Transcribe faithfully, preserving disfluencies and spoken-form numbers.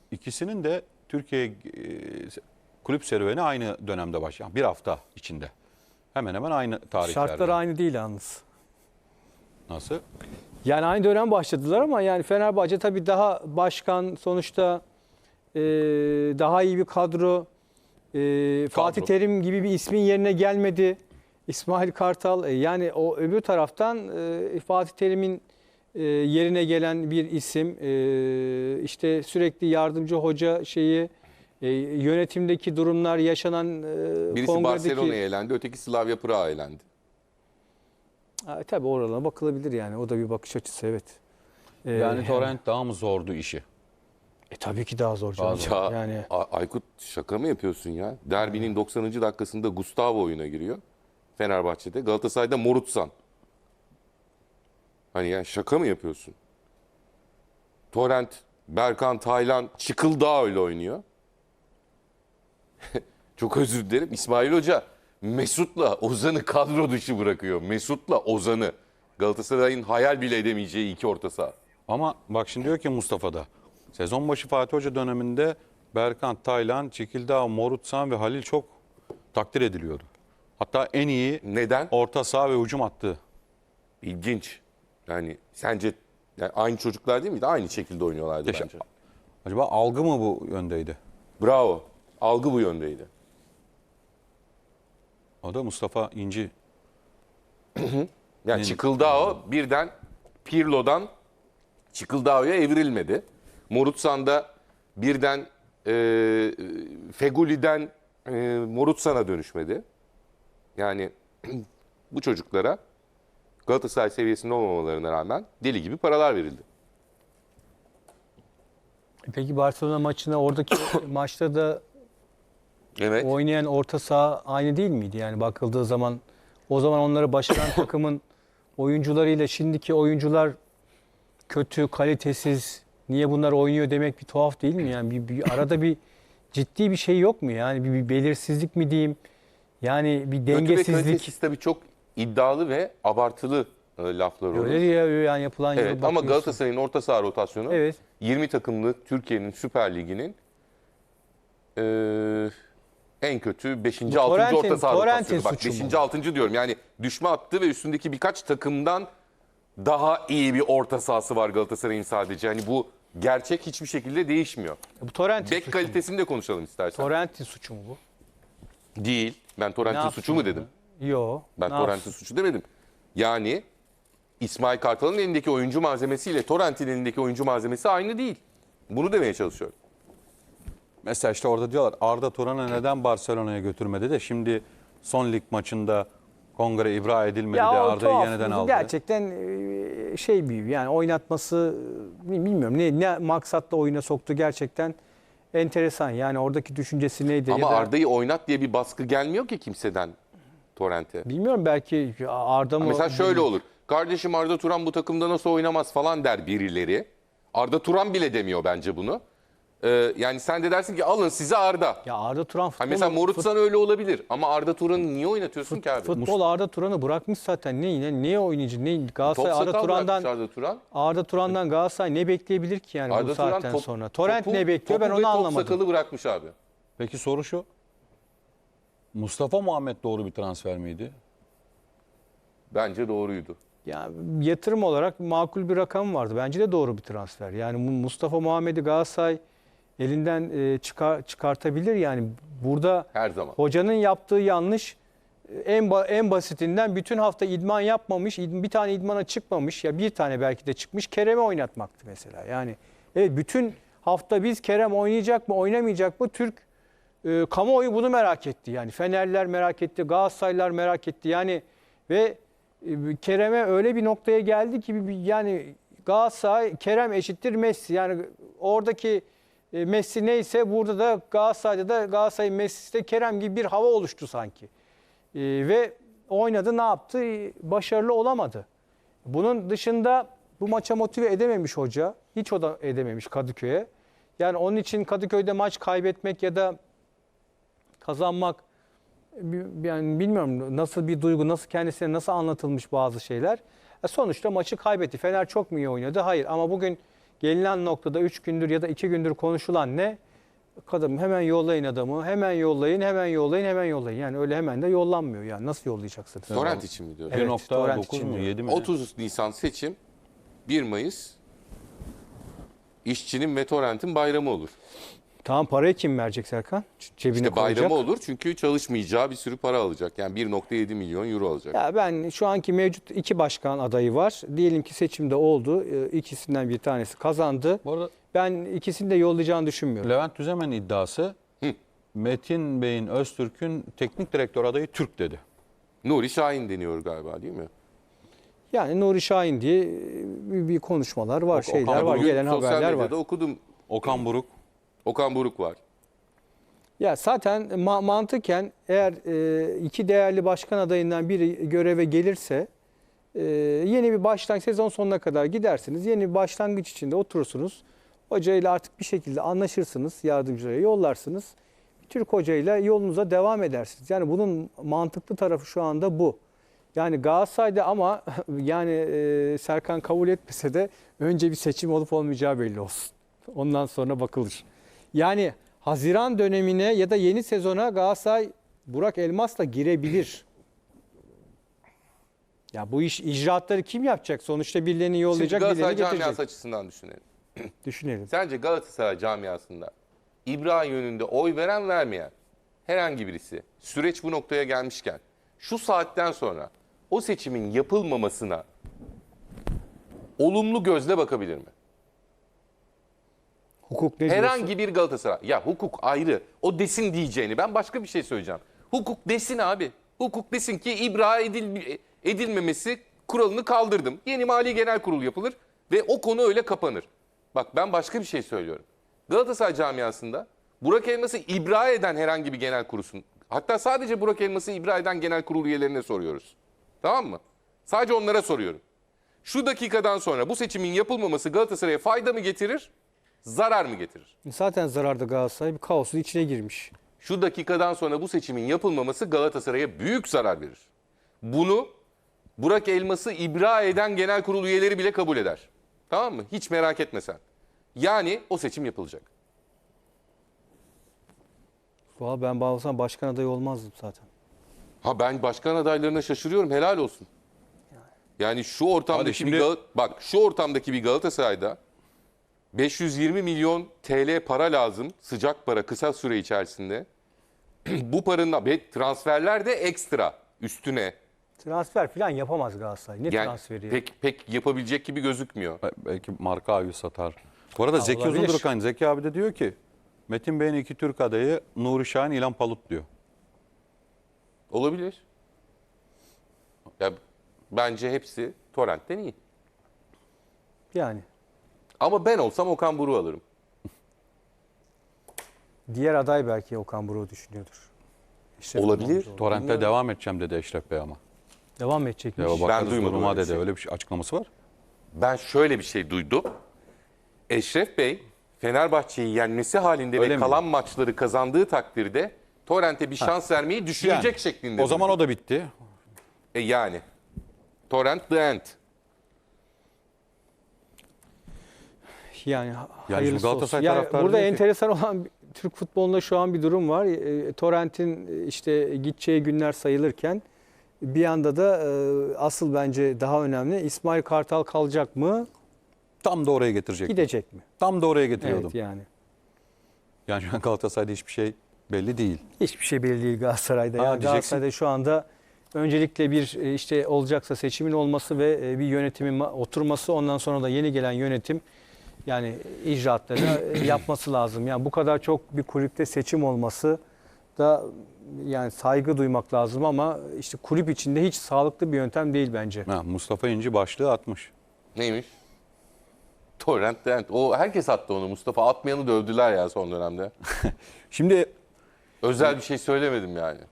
ikisinin de Türkiye e, kulüp serüveni aynı dönemde başlayan. Bir hafta içinde. Hemen hemen aynı tarihlerde. Şartlar aynı değil yalnız. Nasıl? Yani aynı dönem başladılar ama yani Fenerbahçe tabii daha başkan, sonuçta e, daha iyi bir kadro. E, Fatih Terim gibi bir ismin yerine gelmedi. İsmail Kartal, e, yani o öbür taraftan e, Fatih Terim'in e, yerine gelen bir isim. E, işte sürekli yardımcı hoca şeyi, e, yönetimdeki durumlar, yaşanan e, Birisi kongredeki... Barcelona'ya elendi, öteki Slavia Prag'a elendi. Ha, tabii oralarına bakılabilir yani. O da bir bakış açısı, evet. Ee, Yani Torrent daha mı zordu işi? E, tabii ki daha zor canım. Daha Ya Yani A- Aykut, şaka mı yapıyorsun ya? Derbinin doksanıncı dakikasında Gustavo oyuna giriyor. Fenerbahçe'de. Galatasaray'da Morutsan. Hani yani şaka mı yapıyorsun? Torrent, Berkan, Taylan, Çıkıldağ öyle oynuyor. Çok özür dilerim. İsmail Hoca Mesut'la Ozan'ı kadro dışı bırakıyor. Mesut'la Ozan'ı. Galatasaray'ın hayal bile edemeyeceği iki orta saha. Ama bak şimdi diyor ki Mustafa'da. Sezon başı Fatih Hoca döneminde Berkant, Taylan, Çekildağ, Morutsan ve Halil çok takdir ediliyordu. Hatta en iyi Neden? orta saha ve hücum attı. İlginç. Yani sence yani aynı çocuklar değil miydi? Aynı şekilde oynuyorlardı Teşekkür- bence. Acaba algı mı bu yöndeydi? Bravo. Algı bu yöndeydi. O da Mustafa İnci. Yani Çıkıldağ birden Pirlo'dan Çıkıldağ'a evrilmedi. Morutsan'da birden e, Feguli'den e, Morutsan'a dönüşmedi. Yani bu çocuklara Galatasaray seviyesinde olmamalarına rağmen deli gibi paralar verildi. peki Barcelona maçına, oradaki maçta da Evet. oynayan orta saha aynı değil miydi? Yani bakıldığı zaman o zaman onları başaran takımın oyuncularıyla şimdiki oyuncular kötü, kalitesiz. Niye bunlar oynuyor demek bir tuhaf değil mi? Yani bir, bir arada bir ciddi bir şey yok mu? Yani bir, bir belirsizlik mi diyeyim? Yani bir Kötü ve dengesizlik. kalitesiz tabii çok iddialı ve abartılı e, laflar olur. Öyle ya, yani yapılan yere Evet, ama bakıyorsun. Galatasaray'ın orta saha rotasyonu Evet. yirmi takımlı Türkiye'nin Süper Ligi'nin e, en kötü beşinci Bu altıncı Torrent'in- orta saha Torrent'in rotasyonu. Bak suçu mu? beşinci altıncı diyorum. Yani düşme hattı ve üstündeki birkaç takımdan daha iyi bir orta sahası var Galatasaray'ın sadece. Hani bu gerçek hiçbir şekilde değişmiyor. Bu Torrent'in Bek suçu mu? kalitesini de konuşalım istersen. Torrent'in suçu mu bu? Değil. Ben Ne Torrent'in yapsın suçu mu onu? dedim? Yo. Ben ne Torrent'in yapsın? suçu demedim. Yani İsmail Kartal'ın elindeki oyuncu malzemesiyle Torrent'in elindeki oyuncu malzemesi aynı değil. Bunu demeye çalışıyorum. Mesela işte orada diyorlar Arda Turan'ı neden Barcelona'ya götürmedi de şimdi son lig maçında kongre ibra edilmedi de Ya o Arda'yı tuhaf. yeniden aldı. Gerçekten e, şey bir yani oynatması, e, bilmiyorum ne ne maksatla oyuna soktu, gerçekten enteresan. Yani oradaki düşüncesi neydi? Ama ya da, Arda'yı oynat diye bir baskı gelmiyor ki kimseden Torrent'e. bilmiyorum, belki Arda mı? Mesela şöyle olur. Kardeşim Arda Turan bu takımda nasıl oynamaz falan der birileri. Arda Turan bile demiyor bence bunu. Ee, yani sen de dersin ki alın size Arda. Ya Arda Turan futbol, Hani mesela Morutsan öyle olabilir ama Arda Turan'ı niye oynatıyorsun fut- ki abi? futbol Arda Turan'ı bırakmış zaten. Ne ne niye oynayıcı? Ne Top Galatasaray Arda sakal Turan'dan bırakmış Arda Turan. Arda Turan'dan Galatasaray ne bekleyebilir ki yani Arda bu Turan saatten top- sonra? Torrent topu- ne bekliyor, ben topu ve onu top anlamadım. sakalı bırakmış abi. Peki soru şu. Mustafa Muhammed doğru bir transfer miydi? Bence doğruydu. Ya yatırım olarak makul bir rakam vardı. Bence de doğru bir transfer. Yani bu Mustafa Muhammed'i Galatasaray elinden e, çıkar, çıkartabilir. Yani burada Her zaman. hocanın yaptığı yanlış, e, en ba- en basitinden bütün hafta idman yapmamış, id- bir tane idmana çıkmamış, ya bir tane belki de çıkmış, Kerem'i oynatmaktı mesela. Yani evet, bütün hafta biz Kerem oynayacak mı, oynamayacak mı? Türk e, kamuoyu bunu merak etti. Yani Fenerler merak etti, Galatasaraylılar merak etti. Yani ve e, Kerem'e öyle bir noktaya geldi ki bir- yani Galatasaray Kerem eşittir Messi. Yani oradaki e, Messi neyse burada da Galatasaray'da da Galatasaray Messi'si de Kerem gibi bir hava oluştu sanki. E, ve oynadı, ne yaptı? E, Başarılı olamadı. Bunun dışında bu maça motive edememiş hoca. Hiç o da edememiş Kadıköy'e. Yani onun için Kadıköy'de maç kaybetmek ya da kazanmak, yani bilmiyorum nasıl bir duygu, nasıl kendisine nasıl anlatılmış bazı şeyler. E sonuçta maçı kaybetti. Fener çok mu iyi oynadı? Hayır. Ama bugün gelinen noktada üç gündür ya da iki gündür konuşulan ne? Kadın hemen yollayın adamı, hemen yollayın, hemen yollayın, hemen yollayın. Yani öyle hemen de yollanmıyor yani. Nasıl yollayacaksınız? Torrent için mi diyorsun? Evet, bir nokta torrent dokuz için mu diyor. yedi mi? otuz Nisan seçim, bir Mayıs işçinin ve torrentin bayramı olur. Tamam, parayı kim verecek Serkan? Cebine İşte bayramı koyacak. olur çünkü çalışmayacağı bir sürü para alacak. Yani bir nokta yedi milyon euro alacak. Ya ben şu anki mevcut iki başkan adayı var. Diyelim ki seçimde oldu. Ee, İkisinden bir tanesi kazandı. Bu arada Ben ikisini de yollayacağını düşünmüyorum. Levent Düzemen iddiası Hı. Metin Bey'in Öztürk'ün teknik direktör adayı Türk dedi. Nuri Şahin deniyor galiba değil mi? Yani Nuri Şahin diye bir, bir konuşmalar var, Okan şeyler var, Buruk, gelen Sosyal haberler var. medyada okudum. Okan Buruk. Okan Buruk var. Ya zaten ma- mantıken eğer e, iki değerli başkan adayından biri göreve gelirse e, yeni bir başlangıç, sezon sonuna kadar gidersiniz. Yeni bir başlangıç içinde oturursunuz. Hocayla artık bir şekilde anlaşırsınız, yardımcılara yollarsınız. Türk hocayla yolunuza devam edersiniz. Yani bunun mantıklı tarafı şu anda bu. Yani Galatasaray'da ama yani e, Serkan kabul etmese de önce bir seçim olup olmayacağı belli olsun. Ondan sonra bakılır. Yani Haziran dönemine ya da yeni sezona Galatasaray Burak Elmas'la girebilir. Ya bu iş icraatları kim yapacak? Sonuçta birilerini Şimdi yollayacak, Galatasaray birilerini camiası getirecek. açısından düşünelim. Düşünelim. Sence Galatasaray camiasında İbra yönünde oy veren vermeyen herhangi birisi süreç bu noktaya gelmişken şu saatten sonra o seçimin yapılmamasına olumlu gözle bakabilir mi? Hukuk ne diyorsun? Herhangi bir Galatasaray. Ya hukuk ayrı. O desin diyeceğini. Ben başka bir şey söyleyeceğim. Hukuk desin abi. Hukuk desin ki ibra edil, edilmemesi kuralını kaldırdım. Yeni Mali Genel Kurul yapılır ve o konu öyle kapanır. Bak ben başka bir şey söylüyorum. Galatasaray camiasında Burak Elmas'ı ibra eden herhangi bir genel kurulsun. Hatta sadece Burak Elmas'ı ibra eden genel kurul üyelerine soruyoruz. Tamam mı? Sadece onlara soruyorum. Şu dakikadan sonra bu seçimin yapılmaması Galatasaray'a fayda mı getirir, zarar mı getirir? Zaten zararda Galatasaray bir kaosun içine girmiş. Şu dakikadan sonra bu seçimin yapılmaması Galatasaray'a büyük zarar verir. Bunu Burak Elmas'ı ibra eden genel kurul üyeleri bile kabul eder. Tamam mı? Hiç merak etme sen. Yani o seçim yapılacak. Valla ben bağlasam başkan adayı olmazdım zaten. Ha ben başkan adaylarına şaşırıyorum. Helal olsun. Yani şu Hadi ortamdaki şimdi- bir Gal- bak şu ortamdaki bir Galatasaray'da beş yüz yirmi milyon T L para lazım. Sıcak para kısa süre içerisinde. Bu paranın ve transferler de ekstra üstüne. Transfer falan yapamaz Galatasaray. Ne Yani transferi? ya? pek pek yapabilecek gibi gözükmüyor. Be- Belki marka avi satar. Bu arada Zeki olabilir. Uzundurkan, Zeki abi de diyor ki Metin Bey'in iki Türk adayı Nuri Şahin, İlhan Palut diyor. Olabilir. Ya bence hepsi Torrent'ten iyi. Yani Ama ben olsam Okan Buruk'u alırım. diğer aday belki Okan Buruk'u düşünüyordur. Eşref Olabilir. İmamoğlu. Torrent'te devam edeceğim dedi Eşref Bey ama. Devam edecekmiş. Ya bakarız duymadım duruma öyle bir dedi. şey. Öyle bir şey, açıklaması var. Ben şöyle bir şey duydum. Eşref Bey Fenerbahçe'yi yenmesi halinde Öyle ve mi? kalan maçları kazandığı takdirde Torrent'e bir şans vermeyi düşünecek Yani, şeklinde. O zaman duydum. o da bitti. E yani. Torrent the end. Yani, Yani hayırlısı şimdi Galatasaray olsun. Yani taraftarı burada diyor ki- enteresan olan bir- Türk futbolunda şu an bir durum var. E, Torrent'in e, işte gideceği günler sayılırken bir yanda da e, asıl bence daha önemli İsmail Kartal kalacak mı, Tam da oraya getirecek. gidecek mi? Tam da oraya getiriyordum. Evet yani. Yani şu an Galatasaray'da hiçbir şey belli değil. Hiçbir şey belli değil Galatasaray'da. Ha, Yani diyeceksin. Galatasaray'da şu anda öncelikle bir e, işte olacaksa seçimin olması ve e, bir yönetimin ma- oturması, ondan sonra da yeni gelen yönetim yani icraatları e, yapması lazım. Yani bu kadar çok bir kulüpte seçim olması da yani saygı duymak lazım ama işte kulüp içinde hiç sağlıklı bir yöntem değil bence. Ha, Mustafa İnci başlığı atmış. Neymiş? Torrent the end. O herkes attı onu. Mustafa atmayanı dövdüler ya son dönemde. Şimdi Özel bir şey söylemedim yani.